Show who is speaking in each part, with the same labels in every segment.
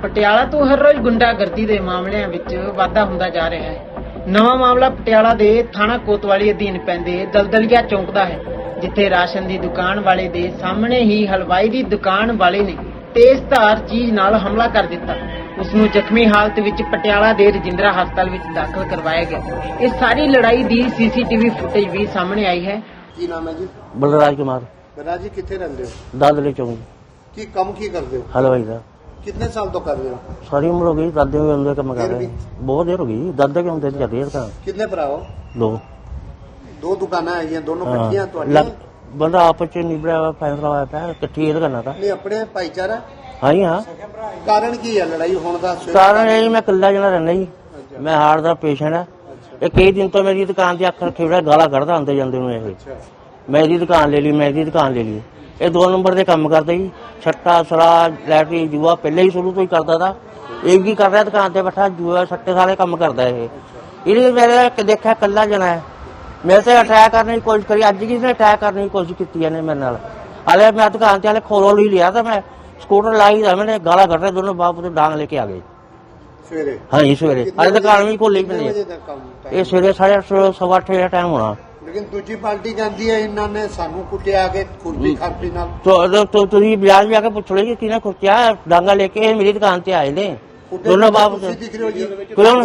Speaker 1: ਪਟਿਆਲਾ ਤੋਂ ਹਰ ਰੋਜ਼ ਗੁੰਡਾਗਰਦੀ ਦੇ ਮਾਮਲਿਆਂ ਵਿੱਚ ਵਾਧਾ ਹੁੰਦਾ ਜਾ ਰਿਹਾ ਹੈ। ਨਵਾਂ ਮਾਮਲਾ ਪਟਿਆਲਾ ਦੇ ਥਾਣਾ ਕੋਤਵਾਲੀ ਅਧੀਨ ਪੈਂਦੇ ਦਲਦਲੀਆ ਚੌਂਕ ਦਾ ਹੈ, ਜਿੱਥੇ ਰਾਸ਼ਨ ਦੀ ਦੁਕਾਨ ਵਾਲੇ ਦੇ ਸਾਹਮਣੇ ਹੀ ਹਲਵਾਈ ਦੀ ਦੁਕਾਨ ਵਾਲੇ ਨੇ ਤੇਜ਼ਧਾਰ ਚੀਜ਼ ਨਾਲ ਹਮਲਾ ਕਰ ਦਿੱਤਾ। ਉਸ ਨੂੰ ਜ਼ਖਮੀ ਹਾਲਤ ਵਿੱਚ ਪਟਿਆਲਾ ਦੇ ਰਜਿੰਦਰਾ ਹਸਪਤਾਲ ਵਿੱਚ ਦਾਖਲ ਕਰਵਾਇਆ ਗਿਆ। ਇਸ ਸਾਰੀ ਲੜਾਈ ਦੀ ਸੀਸੀਟੀਵੀ ਫੁਟੇਜ ਵੀ ਸਾਹਮਣੇ ਆਈ ਹੈ।
Speaker 2: ਕੀ ਨਾਮ ਹੈ ਜੀ?
Speaker 3: बलराज कुमार
Speaker 2: ਬਲਰਾਜ ਜੀ ਕਿੱਥੇ ਰਹਿੰਦੇ ਹੋ?
Speaker 3: दादले चौंक
Speaker 2: ਕੀ ਕੰਮ ਕੀ ਕਰਦੇ ਹੋ?
Speaker 3: हलवाई का
Speaker 2: कितने साल तो कर रहे हो?
Speaker 3: सारी उम्र हो गई। दादे में बंदे कम कर रहे हैं, बहुत देर हो गई। दादे के बंदे चल रही है दुकान।
Speaker 2: कितने भरा हो?
Speaker 3: दो
Speaker 2: दो दुकानें हैं दोनों
Speaker 3: हाँ,
Speaker 2: इकट्ठियां तो
Speaker 3: बंदा आपस च निबड़ा हुआ फैसला होया पाया इकट्ठी ये करना था।
Speaker 2: नहीं अपने भाईचारा
Speaker 3: हाँ जी हाँ।
Speaker 2: कारण की है लड़ाई होने का?
Speaker 3: कारण यही मैं कला जना रहना जी। मैं हार्ट का पेशेंट है। ये कई दिन तो मेरी दुकान से अख रखे बड़ा गाला कढ़दा आते जाते ये। मैं इसकी दुकान ले ली, मैं इसकी दुकान ले ली। ये 2 नंबर के काम करते जी, छट्टा शराब लैटरी जुआ पहले ही शुरू तो ही करता था। एक ही कर रहा है दुकान से बैठा, जुआ सट्टे सारे काम करता है ये। मेरे देखा कला जना है। मेरे से अटैक करने की कोशिश करी, अज किसी ने अटैक करने की कोशिश की है मेरे नाल। हाले मैं दुकान से हाले खोल ही लिया था, मैं स्कूटर लाई था, मैंने गाला कट रहे दोनों बाप तो डांग लेके आ गए
Speaker 2: सवेरे।
Speaker 3: हाँ जी सवेरे अरे दुकान भी खोली भी नहीं। ये सवेरे 8:30 सवा 8 का टाइम होना।
Speaker 2: लेकिन दूसरी पार्टी कहती है इन्होंने सानू कुटिया के खुरपी खारपी नाल।
Speaker 3: तो तुझी बाजार जाके पूछ लो कि किने खुर्चिया डांगा लेके मेरी दुकान से आए ने दोनों बाप
Speaker 2: दिख रहे हो जी?
Speaker 3: कौन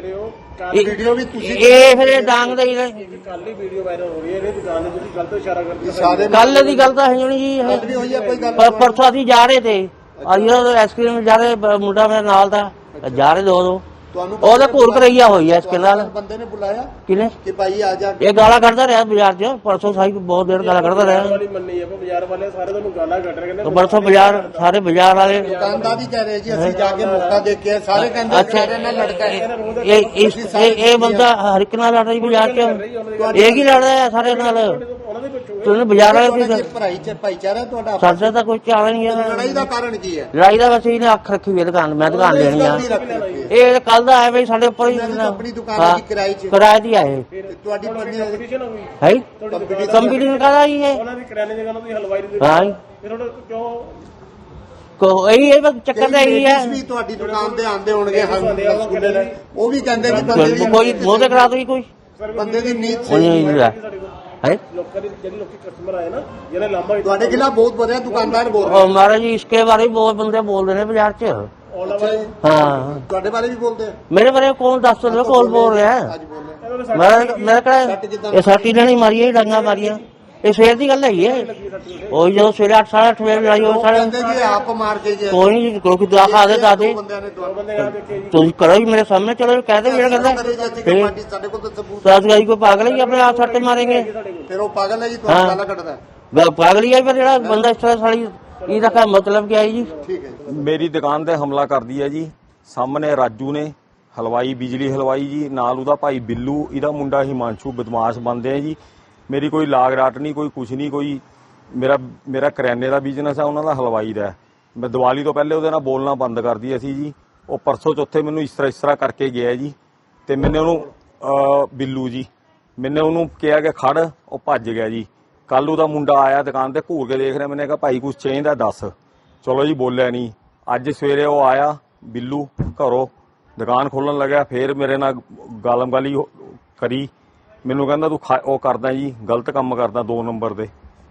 Speaker 2: वीडियो भी
Speaker 3: ये फिर डांग दे
Speaker 4: ਕੱਲ ਹੀ ਵੀਡੀਓ ਵਾਇਰਲ ਹੋ ਰਹੀ ਹੈ। ਇਹਦੇ ਦੁਕਾਨ ਦੇ ਤੁਸੀਂ ਗਲਤ ਇਸ਼ਾਰਾ ਕਰਦੇ
Speaker 2: सारे
Speaker 3: कल दी गल तो है नहीं जी।
Speaker 2: भी हुई है कोई गल?
Speaker 3: परसों असी जा रहे थे आइसक्रीम जा रहे मुंडा मेरे नाल था जा रहे दो ਉਹਦਾ ਘੂਰ ਕਰਈਆ ਹੋਈ ਐ ਇਸਕੇ ਨਾਲ।
Speaker 2: बंदे ने बुलाया
Speaker 3: किने
Speaker 2: कि भाई आ जा।
Speaker 3: ਇਹ ਗਾਲਾਂ ਕੱਢਦਾ ਰਿਹਾ ਬਾਜ਼ਾਰ 'ਚ ਪਰਸੋਂ ਸਾਈ ਬਹੁਤ ਦੇਰ ਗਾਲਾਂ ਕੱਢਦਾ ਰਿਹਾ।
Speaker 4: ਵਾਲੀ ਮੰਨੀ ਹੈ ਬਾਜ਼ਾਰ ਵਾਲੇ ਸਾਰੇ ਤੁਹਾਨੂੰ ਗਾਲਾਂ ਕੱਢ ਰਹੇ
Speaker 3: तो परसों बाजार सारे बाजार वाले
Speaker 2: दुकानदार ही कह रहे जी असि जाके मौका देख के सारे कहते
Speaker 3: अच्छा
Speaker 2: मेरे नाल लड़का है।
Speaker 3: ये बंदा हर एक नाल लड़ रही बाजार 'ਚ एक ही लड़ रहा है सारे नाल।
Speaker 4: ਉਹਨਾਂ ਦੇ ਵਿੱਚੋਂ
Speaker 3: तुमने बाजार वाले
Speaker 2: भाईचारा ਤੁਹਾਡਾ
Speaker 3: साडा तो कोई चाल नहीं है।
Speaker 2: ਲੜਾਈ ਦਾ ਕਾਰਨ ਕੀ ਹੈ?
Speaker 3: लड़ाई का बस ਇਹਨੇ ਅੱਖ ਰੱਖੀ ਹੋਈ ਦੁਕਾਨ मैं दुकान लेनी है। ਇਹ ਕੱਲ ਦਾ ਆਇਆ ਬਈ ਸਾਡੇ ਉੱਪਰ ਹੀ
Speaker 2: ਆਪਣੀ ਦੁਕਾਨ ਦੀ ਕਿਰਾਏ 'ਚ
Speaker 3: ਕਿਰਾਏ ਦੀ ਆਏ
Speaker 2: ਤੁਹਾਡੀ ਪਤਨੀ
Speaker 4: ਕੰਪੀਟੀਸ਼ਨ ਹੋ ਗਈ
Speaker 3: ਹੈ ਕੰਪਨੀ ਕਹਦਾ ਹੀ ਹੈ।
Speaker 4: ਉਹਨਾਂ ਦੀ ਕਰਿਆਨੇ ਦੀ ਦੁਕਾਨ ਦੀ ਹਲਵਾਈ ਦੀ
Speaker 3: ਹਾਂ
Speaker 4: ਫਿਰ ਉਹਨਾਂ ਕਿਉਂ
Speaker 3: ਕੋ ਇਹ ਬਸ ਚੱਕਰ ਤਾਂ ਇਹੀ ਹੈ।
Speaker 2: ਵੀ ਤੁਹਾਡੀ ਦੁਕਾਨ ਤੇ ਆਂਦੇ ਹੋਣਗੇ ਰਸਗੁੱਲੇ ਲੈ, ਉਹ ਵੀ ਕਹਿੰਦੇ ਕਿ ਬੰਦੇ ਦੀ
Speaker 3: ਕੋਈ ਮੋਹ ਤੇ ਕਰਾ ਦੋ ਕੋਈ
Speaker 2: ਬੰਦੇ ਦੀ ਨੀਤ
Speaker 3: ਕੋਈ
Speaker 2: ਸਹੀ
Speaker 3: ਨਹੀਂ ਹੈ है
Speaker 4: ਲੋਕਾਂ ਦੀ ਜਿਹੜੇ ਲੋਕੀ ਕਸਟਮਰ ਆਏ ਨਾ ਜਿਹੜੇ ਲਾਂਭਾ
Speaker 2: ਤੁਹਾਡੇ ਖਿਲਾਫ ਬਹੁਤ ਵਧੀਆ ਦੁਕਾਨਦਾਰ ਬੋਲ ਰਹੇ
Speaker 3: और महाराज जी इसके बारे में बहुत बंदे बोल रहे हैं बाजार च।
Speaker 2: ਅੱਛਾ ਜੀ
Speaker 3: हाँ
Speaker 2: ਤੁਹਾਡੇ ਬਾਰੇ ਵੀ ਬੋਲਦੇ ਆ?
Speaker 3: मेरे बारे में कौन 10 रहे कौन बोल रहा है?
Speaker 2: ਅੱਜ ਬੋਲ ਰਹੇ
Speaker 3: मेरा कहा ये साटी ने नहीं मारी है डांगा मारिया ये सवेर की गल है और जो सवेरे 8 साढ़े 8 बजे लड़ाई हो साढ़े
Speaker 2: ਕਹਿੰਦੇ ਜੀ ਆਪ ਮਾਰ ਕੇ ਜੀ
Speaker 3: कोई नहीं क्योंकि दवा दे दादे
Speaker 2: ਬੰਦਿਆਂ ਨੇ ਤੁਹਾਨੂੰ
Speaker 4: ਬੰਦੇ ਆ ਦੇਖੇ जी
Speaker 3: तुम करो ही मेरे सामने चलो कहते मेरा कहता
Speaker 2: ਪਾਰਟੀ ਸਾਡੇ ਕੋਲ ਤਾਂ ਸਬੂਤ
Speaker 3: सास गाई को पागल ही अपने आप सट्टे मारेंगे
Speaker 2: ਫਿਰ ਉਹ ਪਾਗਲ ਹੈ ਜੀ ਤੁਹਾਨੂੰ ਗਾਲਾਂ ਕੱਢਦਾ।
Speaker 3: पागल ही है फिर जेड़ा बंदा इस तरह साड़ी ਇਹਦਾ मतलब क्या है जी?
Speaker 2: ਠੀਕ ਹੈ ਜੀ।
Speaker 5: ਮੇਰੀ ਦੁਕਾਨ ਤੇ ਹਮਲਾ ਕਰਦੀ ਹੈ ਜੀ। ਸਾਹਮਣੇ ਰਾਜੂ ਨੇ ਹਲਵਾਈ ਬਿਜਲੀ ਹਲਵਾਈ ਜੀ, ਨਾਲ ਉਹਦਾ ਭਾਈ ਬਿੱਲੂ, ਇਹਦਾ ਮੁੰਡਾ ਹਿਮਾਂਸ਼ੂ ਬਦਮਾਸ਼ ਬੰਦੇ ਆ ਜੀ। ਮੇਰੀ ਕੋਈ ਲਾਗ ਰਾਟ ਨਹੀਂ, ਕੋਈ ਕੁਛ ਨਹੀਂ, ਕੋਈ ਮੇਰਾ ਕਰਿਆਨੇ ਦਾ ਬਿਜ਼ਨਸ ਹੈ, ਉਹਨਾਂ ਦਾ ਹਲਵਾਈ ਦਾ। ਮੈਂ ਦੀਵਾਲੀ ਤੋਂ ਪਹਿਲੇ ਉਹਦੇ ਨਾਲ ਬੋਲਣਾ ਬੰਦ ਕਰਦੀ ਸੀ ਜੀ। ਉਹ ਪਰਸੋਂ ਚੌਥੇ ਮੈਨੂੰ ਇਸ ਤਰ੍ਹਾਂ ਕਰਕੇ ਗਿਆ ਜੀ ਤੇ ਮੈਨੇ ਉਹਨੂੰ ਬਿੱਲੂ ਜੀ ਮੈਨੇ ਉਹਨੂੰ ਕਿਹਾ ਕਿ ਖੜ, ਉਹ ਭੱਜ ਗਿਆ ਜੀ। ਕੱਲ ਉਹਦਾ ਮੁੰਡਾ ਆਇਆ ਦੁਕਾਨ ਤੇ ਘੂਰ ਕੇ ਦੇਖ ਰਿਹਾ, ਮੈਨੇ ਕਿਹਾ ਭਾਈ ਕੁਛ ਚਾਹੀਦਾ ਦੱਸ। ਚਲੋ ਜੀ ਬੋਲਿਆ ਨਹੀਂ। ਅੱਜ ਸਵੇਰੇ ਉਹ ਆਇਆ ਬਿੱਲੂ ਘਰੋਂ ਦੁਕਾਨ ਖੋਲਣ ਲੱਗਿਆ, ਫੇਰ ਮੇਰੇ ਨਾਲ ਗਾਲਮ ਗਾਲੀ ਕਰੀ। ਮੈਨੂੰ ਕਹਿੰਦਾ ਤੂੰ ਉਹ ਕਰਦਾ ਜੀ ਗਲਤ ਕੰਮ ਕਰਦਾ 2 ਨੰਬਰ ਦੇ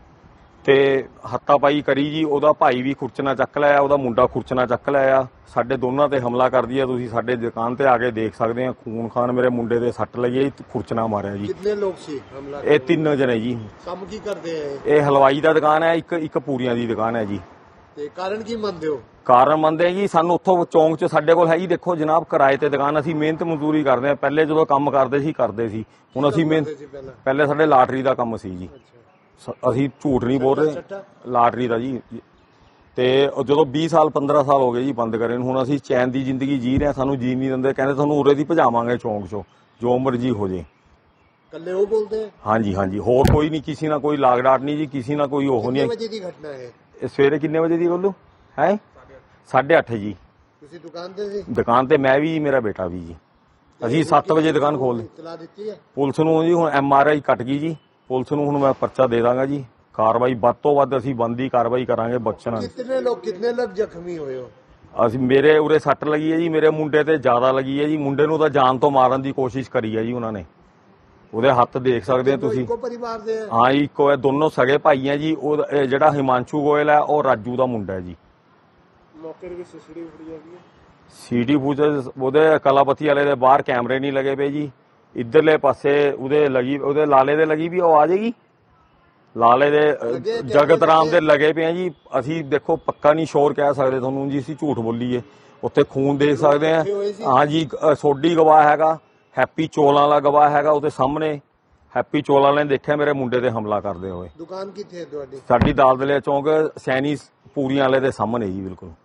Speaker 5: ਤੇ ਹੱਤਾ ਪਾਈ ਕਰੀ ਜੀ। ਉਹਦਾ ਭਾਈ ਵੀ ਖੁਰਚਣਾ ਚੱਕ ਲਿਆ, ਉਹਦਾ ਮੁੰਡਾ ਖੁਰਚਣਾ ਚੱਕ ਲਿਆ। ਸਾਡੇ ਦੋਨਾਂ ਤੇ ਹਮਲਾ ਕਰਦੀ ਹੈ। ਤੁਸੀਂ ਸਾਡੇ ਦੁਕਾਨ ਤੇ ਆ ਕੇ ਦੇਖ ਸਕਦੇ ਆ, ਖੂਨ ਖਾਨ ਮੇਰੇ ਮੁੰਡੇ ਦੇ ਸੱਟ ਲੱਗੀ, ਖੁਰਚਣਾ ਮਾਰਿਆ ਜੀ।
Speaker 2: ਕਿੰਨੇ ਲੋਕ ਸੀ ਹਮਲਾ?
Speaker 5: ਇਹ 3 ਜਣੇ ਜੀ।
Speaker 2: ਕੰਮ ਕੀ ਕਰਦੇ ਆ
Speaker 5: ਇਹ ਹਲਵਾਈ ਦਾ ਦੁਕਾਨ ਹੈ, ਇੱਕ ਪੂਰੀਆਂ ਦੀ ਦੁਕਾਨ ਹੈ ਜੀ।
Speaker 2: ਤੇ ਕਾਰਨ ਕੀ ਮੰਨਦੇ ਹੋ?
Speaker 5: ਕਾਰਨ ਮੰਨਦੇ ਜੀ ਸਾਨੂੰ ਉੱਥੋਂ ਚੌਂਕ 'ਚ ਸਾਡੇ ਕੋਲ ਹੈ ਜੀ। ਦੇਖੋ ਜਨਾਬ ਕਿਰਾਏ ਤੇ ਦੁਕਾਨ, ਅਸੀਂ ਮਿਹਨਤ ਮਜ਼ਦੂਰੀ ਕਰਦੇ ਆ। ਪਹਿਲੇ ਜਦੋਂ ਕੰਮ ਕਰਦੇ ਸੀ ਹੁਣ ਅਸੀਂ ਪਹਿਲੇ ਸਾਡੇ ਲਾਟਰੀ ਦਾ ਕੰਮ ਸੀ ਜੀ। ਅਸੀਂ ਝੂਠ ਨਹੀਂ ਬੋਲ ਰਹੇ, ਲਾਟਰੀ ਦਾ ਜੀ। ਤੇ ਜਦੋਂ 20 ਸਾਲ 15 ਸਾਲ ਹੋ ਗਏ ਜੀ ਬੰਦ ਕਰੇ ਨੂੰ, ਹੁਣ ਅਸੀਂ ਚੈਨ ਦੀ ਜ਼ਿੰਦਗੀ ਜੀ ਰਹੇ, ਸਾਨੂੰ ਜੀ ਨਹੀਂ ਦਿੰਦੇ। ਕਹਿੰਦੇ ਤੁਹਾਨੂੰ ਉਰੇ ਦੀ ਭਜਾਵਾਂਗੇ ਚੌਂਕ 'ਚੋਂ, ਜੋ ਮਰਜੀ ਹੋ ਜੇ।
Speaker 2: ਕੱਲੇ ਉਹ ਬੋਲਦੇ ਆ?
Speaker 5: ਹਾਂਜੀ ਹੋਰ ਕੋਈ ਨਹੀਂ, ਕਿਸੇ ਨਾਲ ਕੋਈ ਲਾਗ ਡਾਟ ਨਹੀਂ ਜੀ, ਕਿਸੇ ਨਾਲ ਕੋਈ ਉਹ ਨਹੀਂ।
Speaker 2: ਕਿੰਨੇ ਵਜੇ ਦੀ ਘਟਨਾ ਹੈ
Speaker 5: ਇਹ ਸਵੇਰੇ ਕਿੰਨੇ ਵਜੇ ਦੀ ਬੋਲੂ ਹੈ? 8:30 ਜੀ।
Speaker 2: ਤੁਸੀਂ ਦੁਕਾਨ ਤੇ ਸੀ?
Speaker 5: ਦੁਕਾਨ ਤੇ ਮੈਂ ਵੀ ਮੇਰਾ ਬੇਟਾ ਵੀ ਜੀ। ਅਸੀਂ 7 ਵਜੇ ਦੁਕਾਨ ਖੋਲ ਲਈ।
Speaker 2: ਇਤਲਾ ਦਿੱਤੀ ਹੈ
Speaker 5: ਪੁਲਿਸ ਨੂੰ ਜੀ। ਹੁਣ MRI ਕੱਟ ਗਈ ਜੀ। ਪੁਲਿਸ ਨੂੰ ਹੁਣ ਮੈਂ ਪਰਚਾ ਦੇ ਦਾਂਗਾ ਜੀ। ਕਾਰਵਾਈ ਵੱਧ ਤੋਂ ਵੱਧ ਅਸੀਂ ਬੰਦੀ ਕਾਰਵਾਈ ਕਰਾਂਗੇ, ਬਖਸ਼ਣਾ।
Speaker 2: कितने लोग जख्मी हुए हो?
Speaker 5: ਅਸੀਂ ਮੇਰੇ ਉਰੇ ਸੱਟ ਲੱਗੀ ਹੈ ਜੀ, ਮੇਰੇ ਮੁੰਡੇ ਤੇ ਜ਼ਿਆਦਾ ਲੱਗੀ ਹੈ ਜੀ। ਮੁੰਡੇ ਨੂੰ ਤਾਂ ਜਾਨ ਤੋਂ ਮਾਰਨ ਦੀ ਕੋਸ਼ਿਸ਼ ਕਰੀ ਹੈ ਜੀ ਉਹਨਾਂ ਨੇ। ਉਹਦੇ ਹੱਥ ਦੇਖ ਸਕਦੇ ਹੋ ਤੁਸੀਂ।
Speaker 2: ਇੱਕੋ ਪਰਿਵਾਰ ਦੇ ਆ?
Speaker 5: ਹਾਂ ਜੀ, ਇੱਕੋ ਹੈ, ਦੋਨੋਂ ਸਗੇ ਭਾਈ ਹੈ ਜੀ। ਉਹ ਇਹ ਜਿਹੜਾ ਹਿਮਾਂਸ਼ੂ ਗੋਇਲ ਹੈ ਉਹ ਰਾਜੂ ਦਾ ਮੁੰਡਾ ਹੈ ਜੀ।
Speaker 4: ਮੌਕੇ ਦੇ ਵਿੱਚ ਸੀਸੀਟੀਵੀ ਫੁਟੇਜ ਹੈਗੀ ਹੈ।
Speaker 5: ਸੀਟੀ ਫੁਟੇਜ ਉਹਦੇ ਕਲਾਪਤੀ ਵਾਲੇ ਦੇ ਬਾਹਰ ਕੈਮਰੇ ਨਹੀਂ ਲੱਗੇ ਪਏ ਜੀ। ਇੱਧਰਲੇ ਪਾਸੇ ਉਹਦੇ ਲੱਗੀ, ਉਹਦੇ ਲਾਲੇ ਦੇ ਲੱਗੀ ਵੀ, ਉਹ ਆ ਜਾਏਗੀ। ਲਾਲੇ ਦੇ ਜਗਤ ਰਾਮ ਦੇ ਲੱਗੇ ਪਏ ਆ ਜੀ। ਅਸੀਂ ਦੇਖੋ ਪੱਕਾ ਨਹੀਂ ਸ਼ੋਰ ਕਹਿ ਸਕਦੇ ਤੁਹਾਨੂੰ ਜੀ, ਅਸੀਂ ਝੂਠ ਬੋਲੀਏ। ਉੱਥੇ ਖੂਨ ਦੇਖ ਸਕਦੇ ਆ। ਹਾਂ ਜੀ, ਸੋਢੀ ਗਵਾਹ ਹੈਗਾ, ਹੈਪੀ ਚੋਲਾਂ ਵਾਲਾ ਗਵਾਹ ਹੈਗਾ। ਉਹਦੇ ਸਾਹਮਣੇ ਹੈਪੀ ਚੋਲਾਂ ਨੇ ਦੇਖਿਆ ਮੇਰੇ ਮੁੰਡੇ ਤੇ ਹਮਲਾ ਕਰਦੇ ਹੋਏ।
Speaker 2: ਦੁਕਾਨ ਕਿੱਥੇ ਹੈ ਤੁਹਾਡੀ?
Speaker 5: ਸਾਡੀ ਦਾਲ ਦਲਿਆ ਚੌਂਕ ਸੈਣੀ ਪੂਰੀਆਂ ਵਾਲੇ ਦੇ ਸਾਹਮਣੇ ਜੀ, ਬਿਲਕੁਲ।